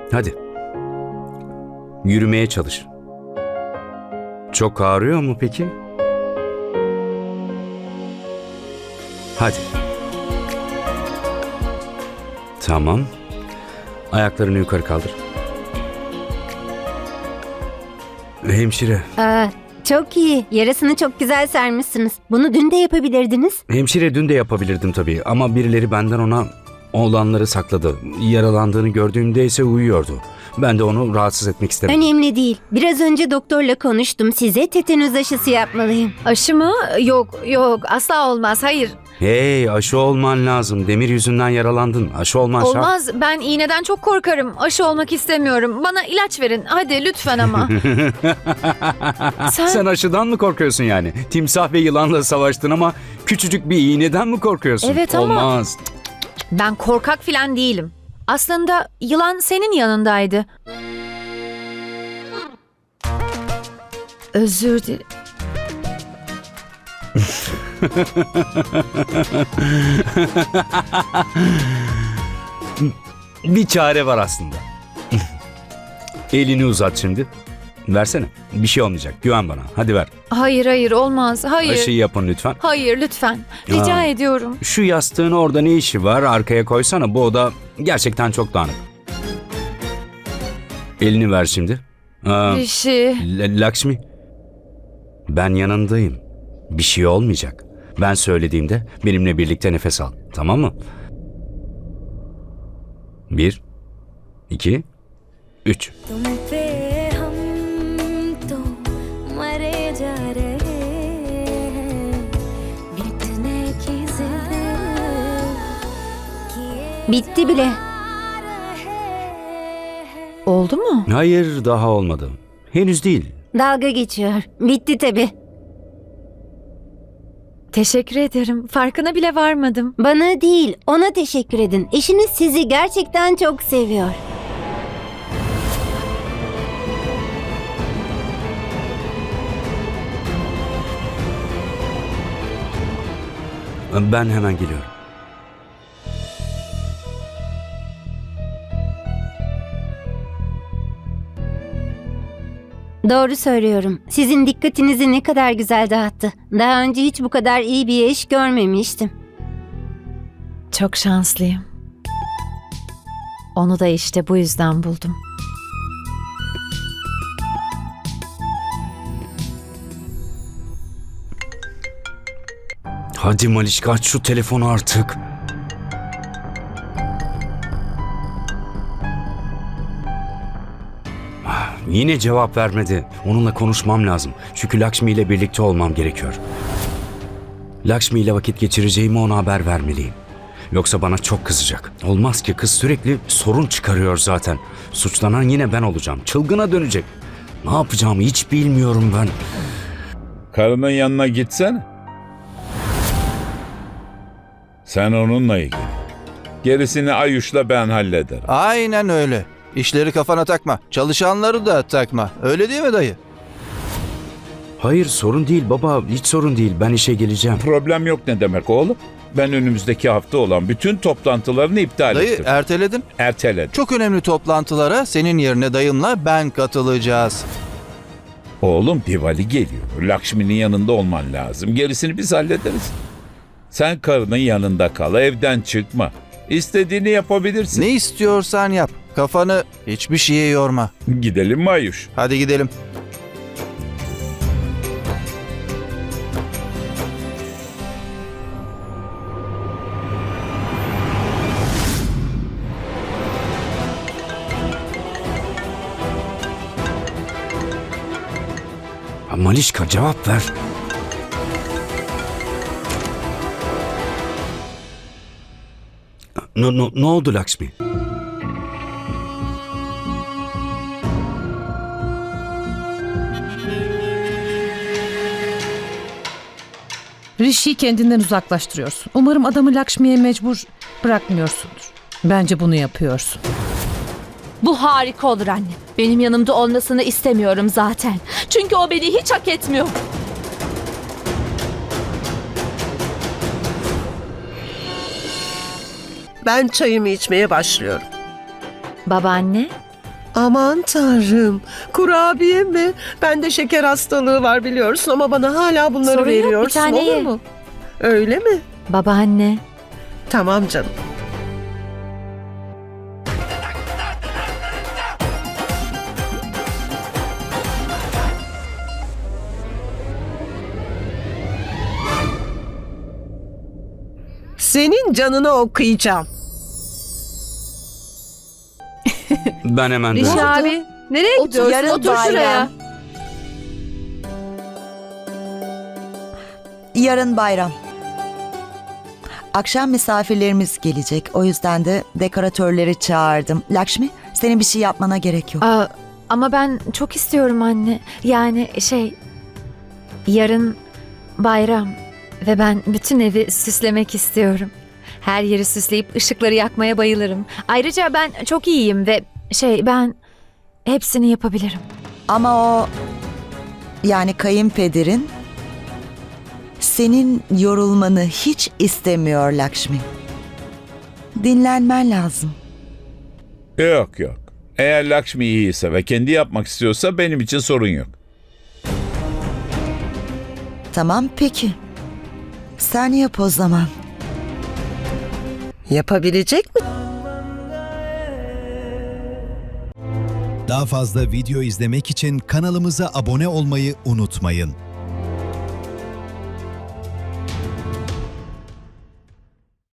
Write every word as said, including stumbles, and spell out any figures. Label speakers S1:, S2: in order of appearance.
S1: Hadi. Yürümeye çalış. Çok ağrıyor mu peki? Hadi. Tamam. Ayaklarını yukarı kaldır. Hemşire.
S2: Aa, çok iyi. Yarasını çok güzel sarmışsınız. Bunu dün de yapabilirdiniz.
S1: Hemşire dün de yapabilirdim tabii ama birileri benden ona olanları sakladı. Yaralandığını gördüğümde ise uyuyordu. Ben de onu rahatsız etmek istemedim.
S2: Önemli değil. Biraz önce doktorla konuştum. Size tetanüz aşısı yapmalıyım.
S3: Aşı mı? Yok, yok. Asla olmaz. Hayır.
S1: Hey, aşı olman lazım. Demir yüzünden yaralandın. Aşı olman şart.
S3: Olmaz. Ben iğneden çok korkarım. Aşı olmak istemiyorum. Bana ilaç verin. Hadi lütfen ama. Sen...
S1: Sen aşıdan mı korkuyorsun yani? Timsah ve yılanla savaştın ama küçücük bir iğneden mi korkuyorsun?
S3: Evet ama-
S1: Olmaz.
S3: Ben korkak falan değilim. Aslında yılan senin yanındaydı. Özür dilerim.
S1: Bir çare var aslında. Elini uzat şimdi. Versene. Bir şey olmayacak. Güven bana. Hadi ver.
S3: Hayır hayır olmaz. Hayır.
S1: Aşıyı yapın lütfen.
S3: Hayır lütfen. Rica
S1: Aa.
S3: ediyorum.
S1: Şu yastığın orada ne işi var? Arkaya koysana. Bu oda gerçekten çok dağınık. Elini ver şimdi. Aa,
S3: Rişi.
S1: L- Lakshmi. Ben yanındayım. Bir şey olmayacak. Ben söylediğimde benimle birlikte nefes al. Tamam mı? Bir, iki, üç.
S4: तुम पे हम तो मरे जा रहे हैं मिटने की जिद किए
S2: Bitti bile.
S4: जा रहे हैं
S3: Oldu mu?
S1: Hayır, daha olmadı. Henüz değil.
S2: Dalga geçiyor. Bitti tabii.
S3: Teşekkür ederim. Farkına bile varmadım.
S2: Bana değil, ona teşekkür edin. Eşiniz sizi gerçekten çok seviyor.
S1: Ben hemen geliyorum.
S2: Doğru söylüyorum. Sizin dikkatinizi ne kadar güzel dağıttı. Daha önce hiç bu kadar iyi bir eş görmemiştim.
S3: Çok şanslıyım. Onu da işte bu yüzden buldum.
S1: Hadi Malişka, aç şu telefonu artık. Ah, Yine cevap vermedi. Onunla konuşmam lazım. Çünkü Lakshmi ile birlikte olmam gerekiyor. Lakshmi ile vakit geçireceğimi ona haber vermeliyim. Yoksa bana çok kızacak. Olmaz ki, kız sürekli sorun çıkarıyor zaten. Suçlanan yine ben olacağım. Çılgına dönecek. Ne yapacağımı hiç bilmiyorum ben.
S5: Karının yanına gitsene. Sen onunla ilgili. Gerisini Ayuş'la ben hallederim.
S6: Aynen öyle. İşleri kafana takma. Çalışanları da takma. Öyle değil mi dayı?
S1: Hayır, sorun değil baba. Hiç sorun değil. Ben işe geleceğim.
S5: Problem yok ne demek oğlum? Ben önümüzdeki hafta olan bütün toplantılarını iptal
S6: Dayı
S5: ettim.
S6: erteledin.
S5: Erteledim.
S6: Çok önemli toplantılara senin yerine dayımla ben katılacağız.
S5: Oğlum Diwali geliyor. Lakshmi'nin yanında olman lazım. Gerisini biz hallederiz. Sen karının yanında kal. Evden çıkma. İstediğini yapabilirsin.
S6: Ne istiyorsan yap. Kafanı hiçbir şeye yorma.
S5: Gidelim mi Ayuş?
S6: Hadi gidelim.
S1: Ha, Malişka, cevap ver. Ne, ne, ne oldu Lakshmi?
S7: Rishi'yi kendinden uzaklaştırıyorsun. Umarım adamı Lakshmi'ye mecbur bırakmıyorsundur. Bence bunu yapıyorsun.
S8: Bu harika olur anne. Benim yanımda olmasını istemiyorum zaten. Çünkü o beni hiç hak etmiyor.
S9: Ben çayımı içmeye başlıyorum.
S3: Babaanne,
S9: Aman tanrım. Kurabiye mi? Bende şeker hastalığı var biliyorsun ama bana hala bunları
S3: Sorun yok, bir
S9: veriyorsun,
S3: tane
S9: olur
S3: ye.
S9: mu? Öyle mi?
S3: Babaanne.
S9: Tamam canım. Senin canını okuyacağım.
S1: Ben hemen
S3: Rişi
S1: dönerim.
S3: abi nereye gidiyorsun?
S10: yarın
S3: Otur şuraya.
S10: bayram. Yarın bayram. Akşam misafirlerimiz gelecek. O yüzden de dekoratörleri çağırdım. Lakshmi, senin bir şey yapmana gerek yok.
S3: Aa, ama ben çok istiyorum anne. Yani şey, yarın bayram ve ben bütün evi süslemek istiyorum. Her yeri süsleyip ışıkları yakmaya bayılırım. Ayrıca ben çok iyiyim ve şey, ben hepsini yapabilirim.
S10: Ama o, yani kayınpederin senin yorulmanı hiç istemiyor Lakshmi. Dinlenmen lazım.
S5: Yok yok. Eğer Lakshmi iyiyse ve kendi yapmak istiyorsa benim için sorun yok.
S10: Tamam peki. Sen yap o zaman.
S9: Yapabilecek mi?
S11: Daha fazla video izlemek için kanalımıza abone olmayı unutmayın.